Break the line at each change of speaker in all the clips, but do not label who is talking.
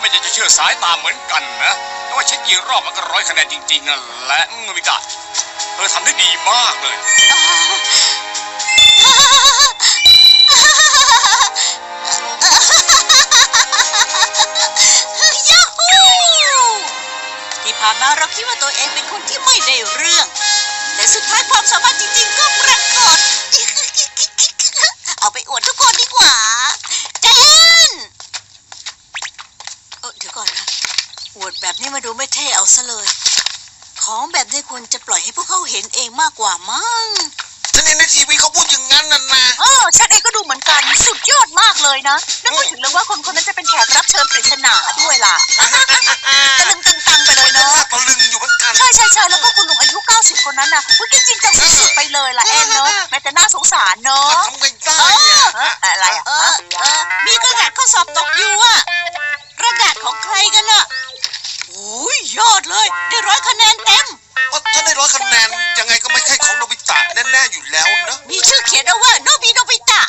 ไม่จะเชื่อสายตาเหมือนกันนะแต่ว่าเช็คกี่รอบมันก็100 คะแนนจริงๆนั่นแหละโนบิตะเธอทำได้ดีมากเลย
ที่ผ่านมาเราคิดว่าตัวเองเป็นคนที่ไม่ได้เรื่องแต่สุดท้ายความสามารถจริงๆก็ปรากฏเอาไปอวดทุกคนดีกว่าเจนเดี๋ยวก่อนนะอวดแบบนี้มาดูไม่เท่เอาซะเลยของแบบนี้ควรจะปล่อยให้พวกเขาเห็นเองมากกว่ามั้ง
ฉันเห็นในทีวีเขาพูดอย่างนั้นน่ะนะ
ฉันเองก็ดูเหมือนกันสุดยอดมากเลยนะนึกไม่ถึงเลยว่าคนนั้นจะเป็นแขกรับเชิญปริศนาด้วยล่ะตะลึงตึงตังไปเลยเนาะ
ตะลึงอยู่เหมือนกัน
ใช่แล้วก็คุณลุงอายุ90คนนั้นน่ะจริงจังสุดๆไปเลยล่ะแอนเนาะแม้แต่น่าสงสารเนาะ
ทำไงได้
อะไรมีกระดาษข้อสอบตกอยู่อะกระดาษของใครกันน่ะโอ้ยยอดเลยได้100 คะแนนเต็ม
ถ้าได้100 คะแนนยังไงก็ไม่ใช่ของโนบิตะแน่ๆอยู่แล้วนะ
มีชื่อเขียนเอาว่าโนบิตะ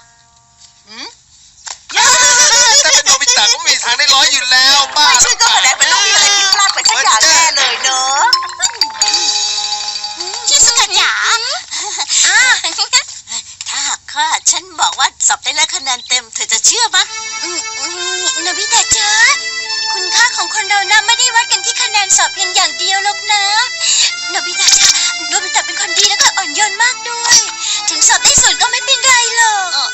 ถ้าเป็นโนบิตะก็มีทางได้100อยู่แล้วบ้า
ชื่อก็แสดงเป็นต้องมีอะไรผิดพลาดไปสักอย่างแน่เลยเนอะชิสุกะจ๋าถ้าหากว่าฉันบอกว่าสอบได้100 คะแนนเต็มเธอจะเชื่อปะโนบิตะจ๋าคุณค่าของคนเรานะไม่ได้วัดกันที่คะแนนสอบเพียงอย่างเดียวหรอกนะโนบิตะจ๋าโนบิตะเป็นคนดีแล้วก็อ่อนโยนมากด้วยถึงสอบได้0ก็ไม่เป็นไรหรอก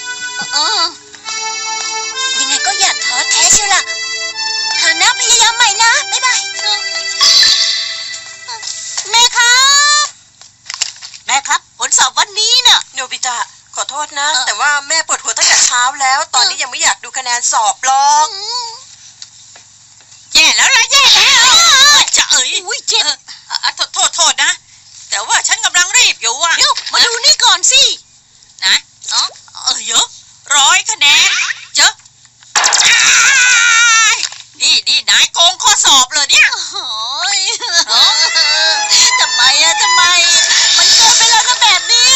ยังไงก็อย่าท้อแท้เชียวล่ะหานะพยายามใหม่นะบ๊ายบายแม่ครับผลสอบวันนี้น่ะ
โนบิตะขอโทษนะแต่ว่าแม่ปวดหัวตั้งแต่เช้าแล้วตอนนี้ยังไม่อยากดูคะแนนสอบหรอก
แย่แล้วจะอุ้ยเจ็บ
โทษนะแต่ว่าฉันกำลังรีบอยู่อ่ะ
เดี๋ยวมาดูนี่ก่อนสิ
นะเยอะ100 คะแนนเจ้านี่นายโกงข้อสอบเลยเนี่ย
ทำไมมันเกินไปแล้วนะแบบนี้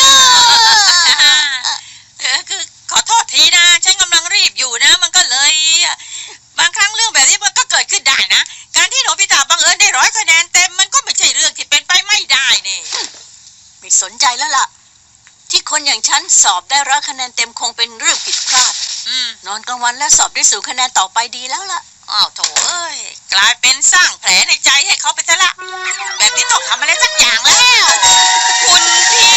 คือขอโทษทีนะฉันกำลังรีบอยู่นะมันก็เลยบางครั้งเรื่องแบบนี้มันก็เกิดขึ้นได้นะการที่โนบิตะบังเอิญได้100 คะแนนเต็มมันก็ไม่ใช่เรื่องที่เป็นไปไม่ได้นี่
ไม่สนใจแล้วล่ะที่คนอย่างฉันสอบได้100 คะแนนเต็มคงเป็นเรื่องผิดพลาดนอนกลางวันและสอบได้0 คะแนนต่อไปดีแล้วล่ะ
อ้าวโถเอ้ยกลายเป็นสร้างแผลในใจให้เขาไปซะละแบบนี้ต้องทำอะไรสักอย่างแล้วคุณพี่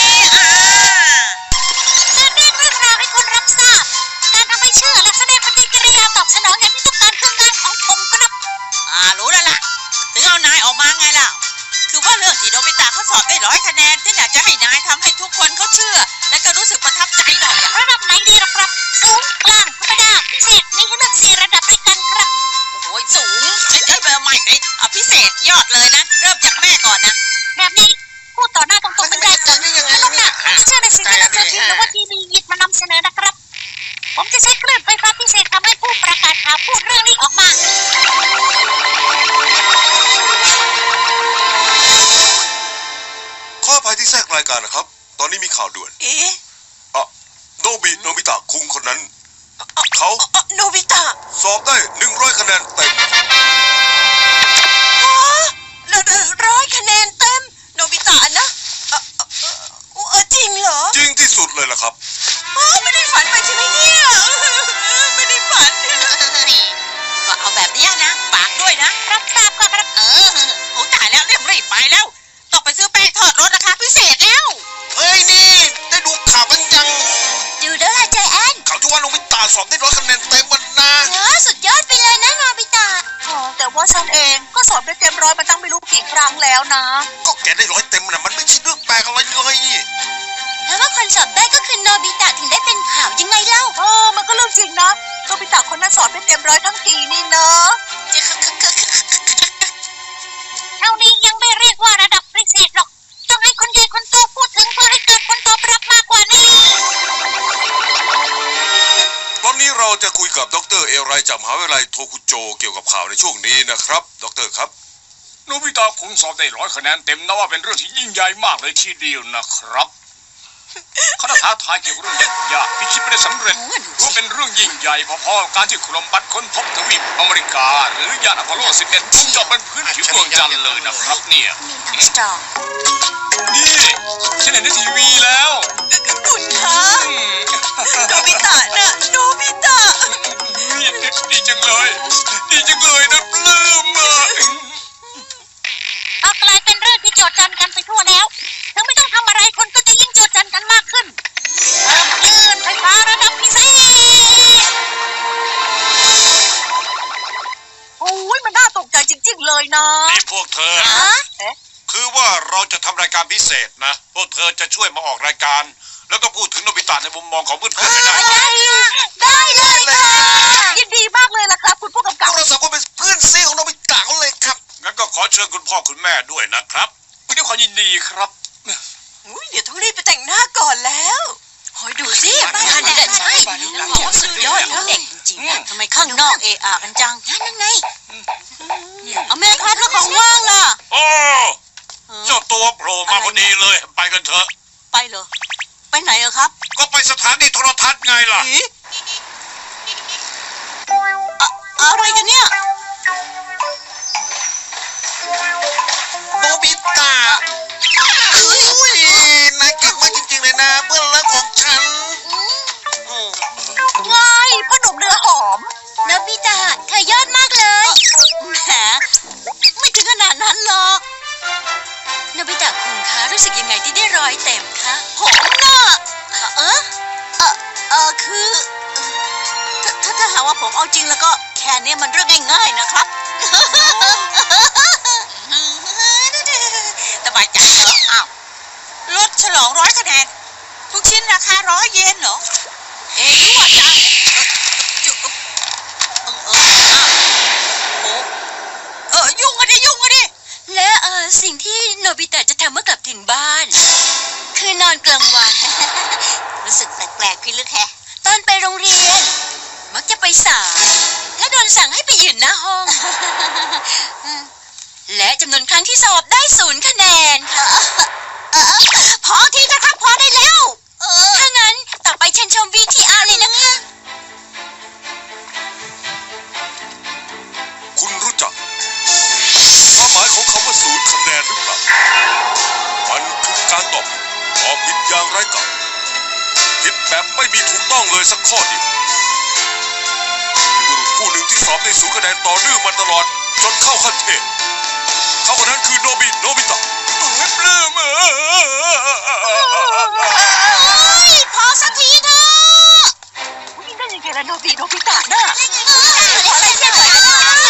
เรียกเรื่องราวให้คนรับทราบการทำให้เชื่อและแสดงปฏิกิริยาตอบสนองอย่างที่ต้องการคืองานของผมครับ
รู้แล้วล่ะถึงเอานายออกมาไงล่ะคือว่าเรื่องที่โนบิตะเขาสอบได้100 คะแนนที่อยากจะให้นายทำให้ทุกคนเขาเชื่อและก็รู้สึกประทับใจหน่อย
ระดับไหนดีล่ะครับสูงกลางธรรมดาพิเศษมีให้เลือก4 ระดับด้วยกันครับ
โอ้ยสูงฉันเบอร์ใหม่เลยพิเศษยอดเลยนะเริ่มจากแม่ก่อนนะ
แบบนี้พูดต่อหน้าตรงๆไม่ได้จังแล้วนะเชื่อในสิ่งที่เราเจอทีหรือว่าทีวีหยิบมานำเสนอนะครับผมจะใช้คลื่นไฟฟ้าพิเศษทำให้ผู้ประกาศข่าวพูดเรื่องนี้ออกมา
ขออภัยที่แทรกรายการนะครับตอนนี้มีข่าวด่วนโนบิตะคุงคนนั้นเขา
โนบิตะ
สอบได้100 คะแนนเต็ม
100 คะแนนเต็มโนบิตะนะจริงเหรอ
จริงที่สุดเลยล่ะครับ
ไม่ได้ฝันไปใช่ไหมเนี่ยไม่ได้ฝันก็เอาแบบนี้นะฝากด้วยนะ
รับทราบครับ
โอ้ตายแล้วรีบไปแล้วต้องไปซื้อแป้งทอดรสราคาพิเศษแล้ว
เฮ้ยนี่ได้ดูข่าวกันยัง
ดูแล้วล่ะใจแอน
ข่าวที่ว่าโนบิตะสอบได้100 คะแนนเต็มมันนะ
สุดยอดไปเลยนะโนบิตะแต่ว่าฉันเองก็สอบได้เต็ม100มาตั้งไม่รู้กี่ครั้งแล้วนะ
ก็แกได้100 เต็มนะมันไม่ใช่เรื่องแปลกอะไรเลย
แล้วว่าคนสอบได้ก็คือโนบิตะถึงได้เป็นข่าวยังไงเล่ามันก็เรื่องจริงนะโนบิตะคนนั้นสอบได้เต็ม100ทั้งทีนี่เนอะเท่านี้ยังไม่เรียกว่าระดับพิเศษหรอกต้องให้คนใหญ่คนโตพูดถึงเพื่อให้เกิดผลตอบรับมากกว่านี้
ตอนนี้เราจะคุยกับดร.เอไรจากมหาวิทยาลัยโทคุโจเกี่ยวกับข่าวในช่วงนี้นะครับดร.ครับ
โนบิตะคุงสอบได้100 คะแนนเต็มนะว่าเป็นเรื่องที่ยิ่งใหญ่มากเลยทีเดียวนะครับเขาท้าทายเกี่ยวกับเรื่องยากๆที่คิดไม่ได้สำเร็จรู้เป็นเรื่องยิ่งใหญ่พอๆกับการที่โคลัมบัสค้นพบทวีปอเมริกา หรือยานอพอลโล 11 มุ่งเจาะบนพื้นผิวดวงจันทร์เลยนะครับเนี่ย
มีทั้งสตรอง
นี่ฉันเห็นในทีวีแล้ว
คุณคะโนบิตะนะโนบิตะ
ดีจังเลยดีจังเลยนะปลื้มอ่ะ
เอากลายเป็นเรื่องที่โจดจันกันไปทั่วแล้วถึงไม่ต้องทำอะไรคนก็จะยิ่งโจดจันกันมากขึ้นเพิ่มคลื่นไฟฟ้าระดับพิเศษโอ้ยมันน่าตกใจจริงๆเลยนะ
นี่พวกเธอ คือว่าเราจะทำรายการพิเศษนะ พวกเธอจะช่วยมาออกรายการ แล้วก็พูดถึงโนบิตะในมุมมองของเพื่อนๆให้ได้
ได้เลยค่ะยินดีมากเลยล่ะครับ คุณผู้กำ
พ
กับ
วกเราสองคนเป็นเพื่อนซีของโนบิตะเขาเลยครับ
งั้นก็ขอเชิญคุณพ่อคุณแม่ด้วยนะครับ
ด้วยความยินดีครับ
เดี๋ยวต้องรีบไปแต่งหน้าก่อนแล้วคอยดูสิบ้านนี่แหละใช่โอ้สุดยอดนะเด็กจริงๆนะ
ทำไมข้างนอกเอะอะกันจังนั่นไงเอาแม่ครับแล้วของว่างล่ะ
โอ้เจ้าตัวโผล่มาพอดีเลย ไปกันเถอะ
ไปเหรอไปไหนอะครับ
ก็ไปสถานีโทรทัศน์ไงล่ะ
อะไรกันเนี่ย
โนบิตะอุ้ยนายเก่งมากจริงๆเลยนะเพื่อนรักของฉัน
ว้ายพ่อหนุ่มเนื้อหอมนบิตะเธอยอดมากเลยแหมไม่ถึงขนาดนั้นหรอกนบิตะคุณคะรู้สึกยังไงที่ได้รอยเต็มคะผมน่ะคือถ้าหากว่าผมเอาจริงแล้วก็แค่นี้มันเรื่องง่ายๆนะครับ
สบายใจเหรออ้าวรถฉลอง100 คะแนนทุกชิ้นราคา100 เยนเหรอยั่วจังยุ่งกันดิ
และสิ่งที่โนบิตะจะทำเมื่อกลับถึงบ้าน คือนอนกลางวัน รู้สึกแปลกๆพี่ลึกแฮะตอนไปโรงเรียน มักจะไปสายและโดนสั่งให้ไปยืนหน้าห้อง และจำนวนครั้งที่สอบได้0 คะแนนค่ะพอทีนะครับพอได้แล้ว ถ้างั้นต่อไปเชิญชม VTR เลยนะคะ
คุณรู้จักความหมายของคำว่า0 คะแนนหรือเปล่ามันคือการตอบผิดอย่างไร้กาศผิดแบบไม่มีถูกต้องเลยสักข้อเดียวบุรุษผู้หนึ่งที่สอบได้0 คะแนนต่อเนื่องมาตลอดจนเข้าขั้นเทพเขาคนนั้นคือโนบิตะ
ปลื้ม
พอสักทีเถอะนี่ได้ยังไงล่ะโนบิตะน่ะขออะไรเช่นหน่อยนะ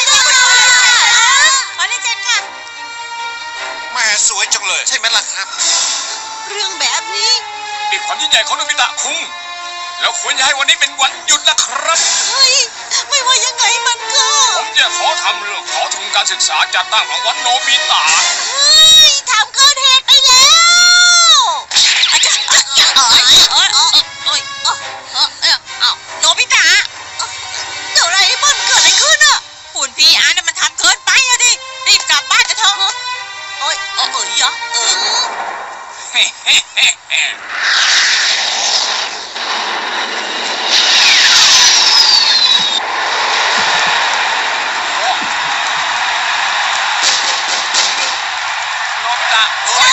ขอเล่นเจนค่ะ
แม่สวยจังเลย
ใช่ไหมล่ะครับ
เรื่องแบบนี้
นี่ความยิ่งใหญ่ของโนบิตะคุงแล้วควรจะให้วันนี้เป็นวันหยุดนะครับ
เฮ้ย ไม่ว่ายังไงมันก็
ผมจะขอทำเรื่องขอทุนการศึกษาจัดตั้งรางวัลโนบิตะ
เฮ้ยทำเกินเหตุไปแล้วอาจารย์
โนบิตะ
โดราเอมอนเกิดอะไรขึ้นอ่ะ
หุ่นพีอาร์มันทำเกินไปอะดิรีบกลับบ้านกันเถอะ
โอ้ยยะ
โนบิตะ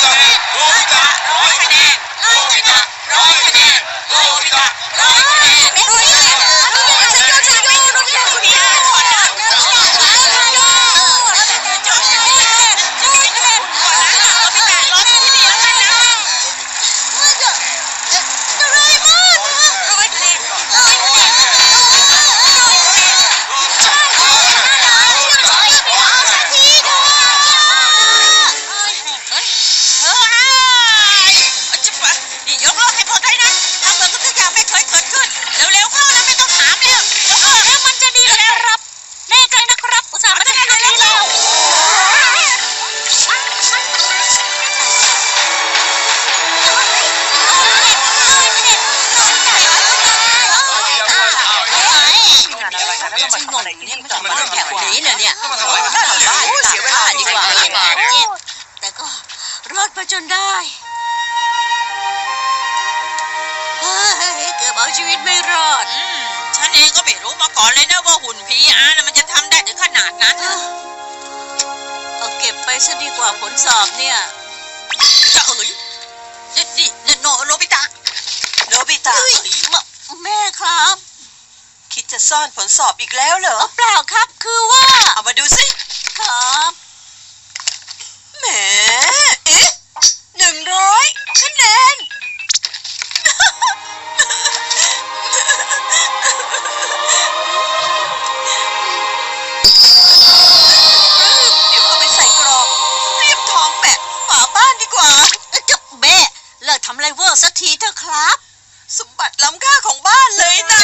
100 คะแนนโนบิตะ100 คะแนนโนบิตะ100 คะแนนพีอาร์ถอดนะโนบิตะรอที่นี่แล้วกันนะ
ชีวิตไม่รอด
ฉันเองก็ไม่รู้มาก่อนเลยนะว่าหุ่น PR น่ะมันจะทำได้ถึงขนาดนั้นนะ
เอาเก็บไปซะดีกว่าผลสอบเนี่ย
จะเอ๋ยนี่โนบิตะ
โนบิตะ
แม่ครับ
คิดจะซ่อนผลสอบอีกแล้วเหรอ
เปล่าครับคือว่า
เอามาดูสิ
ครับ
แหมเอ๊ะ100 คะแนน เดี๋ยวเอาไปใส่กรอบเรียบทองแปะฝาบ้านดีกว่า
เจ้าแม่เลิกทำไรเวอร์สักทีเถอะครับ
สมบัติล้ำค่าของบ้านเลยนะ